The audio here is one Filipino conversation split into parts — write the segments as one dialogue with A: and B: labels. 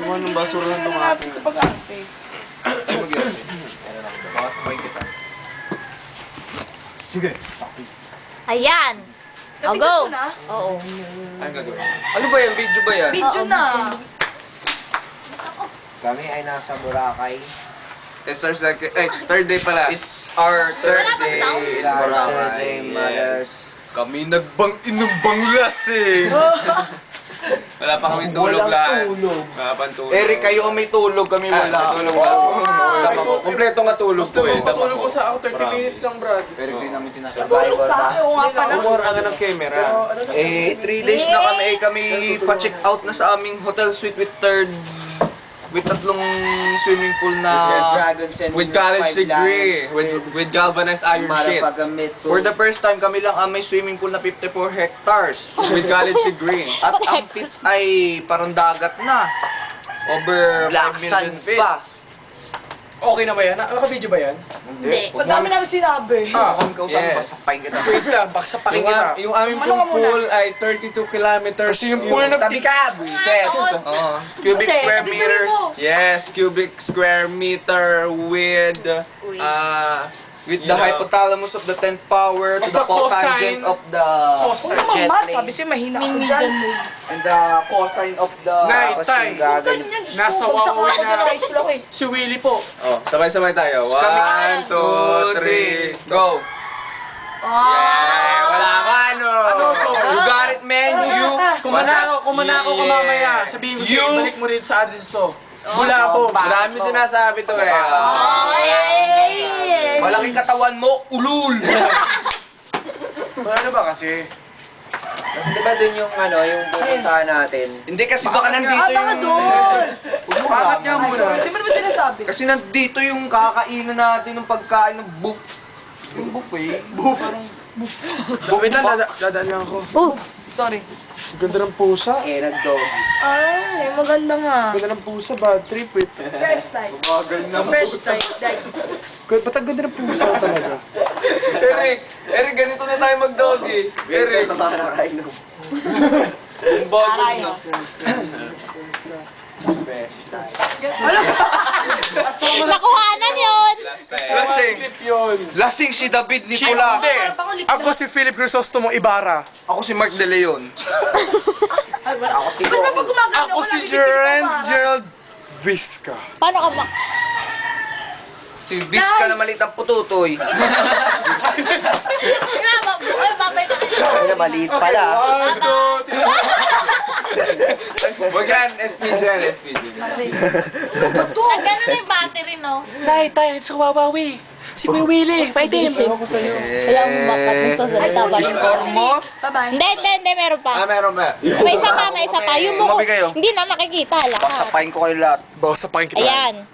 A: Kung anong basura lang
B: natin sa pag-arte.
A: Ay, mag-iarsi. Baka sabay kita.
C: Sige.
D: Ayan. O,
B: Napindot
D: go.
B: mo na?
D: Oo.
A: Ano gagawin? Ano ba yan? Video ba yan?
B: Video na.
C: Kami ay nasa Boracay.
A: It's our second, third day pala. It's our third
D: Wala bang
A: day
D: sound?
A: in
C: Sa
A: Boracay.
C: Thursday, Mothers.
A: Kami inumbang lasing. Wala pa kami tulog lahat. Wala pang tulog.
E: Eric, kayo ang may tulog, kami wala.
A: Tulog lang. Dama ko. Kompleto nga tulog ko eh. Dama
E: Tulog
A: ko.
E: ko sa ako, 30 minutes lang, Brad. Eric, di namin tinasabi.
C: Survivor ba?
B: Oo nga pala.
A: Umura nga ng camera. 3 days na kami pa-check out na sa aming hotel suite with tatlong swimming pool na with college degree, with galvanized iron sheet. For the first time, kami lang ang may swimming pool na 54 hectares with college degree. At ang pits ay parang dagat na. Over 5 million feet.
E: Okay na ba yan? Naka-video ba yan?
D: Hindi.
B: Ang dami namin sinabi.
E: Kung kausap
A: Yes.
E: ba, sapain kita. Wait lang, baka sapakin kita.
A: Yung aming
B: Ano ka muna?
A: pool ay 32 kilometers.
E: Kasi yung pool na
A: Tabi ka, buiset. Cubic
B: Kasi,
A: square
B: tabi
A: meters.
B: mo.
A: Yes, cubic square meter with
E: With the hypothalamus of the 10th power to the cotangent of the
B: Huwag naman, Matt. Sabi siya, mahina ako dyan.
E: and the cosine of the
A: Nay, tay.
B: Ganyan, Diyos ko.
E: Nasa
B: Bagsak
E: Huawei
B: ako dyan
E: na.
B: ng high school ako eh.
E: si Willie po.
A: Oh, sabay-sabay tayo. 1, 2, 3, go! Yeah! Wala ka, ano?
E: Ano to?
A: You got it, man! You!
E: Kumanako ka mamaya. Sabihin ko sa'yo,
A: You-
E: balik mo rin sa address to. Wala po.
A: Marami sinasabi to eh.
E: Malaking katawan mo, ulul! Wala na ba kasi?
C: Di ba dun yung yung pupuntahan natin?
A: Hindi kasi baka nandito
B: Baka
A: yung...
B: doon.
E: Bakit nga
B: Ay,
E: muna?
B: sorry. Di mo naman sinasabi.
A: Kasi nandito yung kakainan natin ng pagkain ng yung buffet.
E: Wait lang, dadaan lang ako.
B: Sorry.
E: Ganda ng pusa.
C: Nag-doggy.
B: Ay, maganda nga.
E: Ganda ng pusa, bad trip. Wait.
B: First time. First time.
E: Ba't ang ganda ng pusa talaga?
A: Eric, ganito na tayo mag-doggy. Eric,
C: Ito ka nakainom.
A: ang bago na.
C: Fresh time.
D: Nakuhanan yun.
A: Lasing.
E: Yun.
A: Lasing si David Nicolas.
E: Ako si Philip Crisostomo Ibarra.
A: Ako si Mark De Leon.
C: Ako si
B: Ba't
C: Gong.
B: gumagano
E: Ako si Jerence Gerald Visca.
D: Paano ka
A: Si Vizca na maliit ang pututoy.
D: Ay, babay na kayo.
C: Ay, maliit pala.
E: 1, 2, 3.
A: Wag yan, SPG yan, SPG.
D: Ang gano'n na yung battery, no?
E: Tay, sa Wawawi. Si Kuya Willie, fighting.
D: Wala akong bakat nito sa taba.
A: Score mo?
B: Bye-bye.
D: Hindi, meron pa.
A: Meron ba?
D: May isa pa. Yung buko,
A: Tumabi kayo.
D: hindi na nakikita lahat.
A: Pasapain ko kayo lahat.
E: Bawa sa pakin kita.
D: Ayan.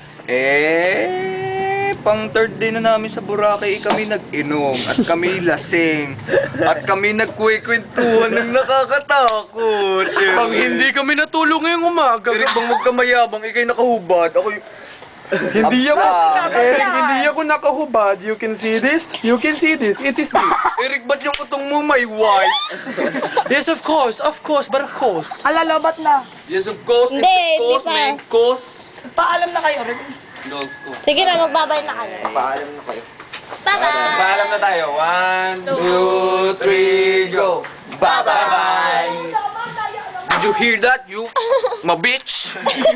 A: Pang third day na namin sa Boracay, kami nag-inom at kami lasing at kami nagkwekwentuhan ng nakakatakot.
E: Pang hindi kami natulog ngayong umaga.
A: Eric, bang huwag ka mayabang, ikay nakahubad. Ako
E: Hindi ako,
A: Absa.
E: Eric, hindi ako nakahubad. You can see this. You can see this. It is this.
A: Eric, ba't yung utong mo may white?
E: Yes, of course, but of course.
B: Alalobat na.
A: Yes, of course.
D: Hindi,
A: It's of course,
D: hindi pa.
A: main course.
B: Paalam na kayo, Rick.
A: Golf ko.
D: Sige na, magbabay na kayo.
C: Paalam na kayo.
D: Bye-bye.
A: Paalam na tayo. 1, 2, 3, go. Bye-bye. Did you hear that, you ma-bitch?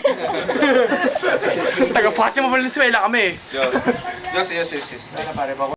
E: Taga Fatima Valenzuela kami.
A: Yes.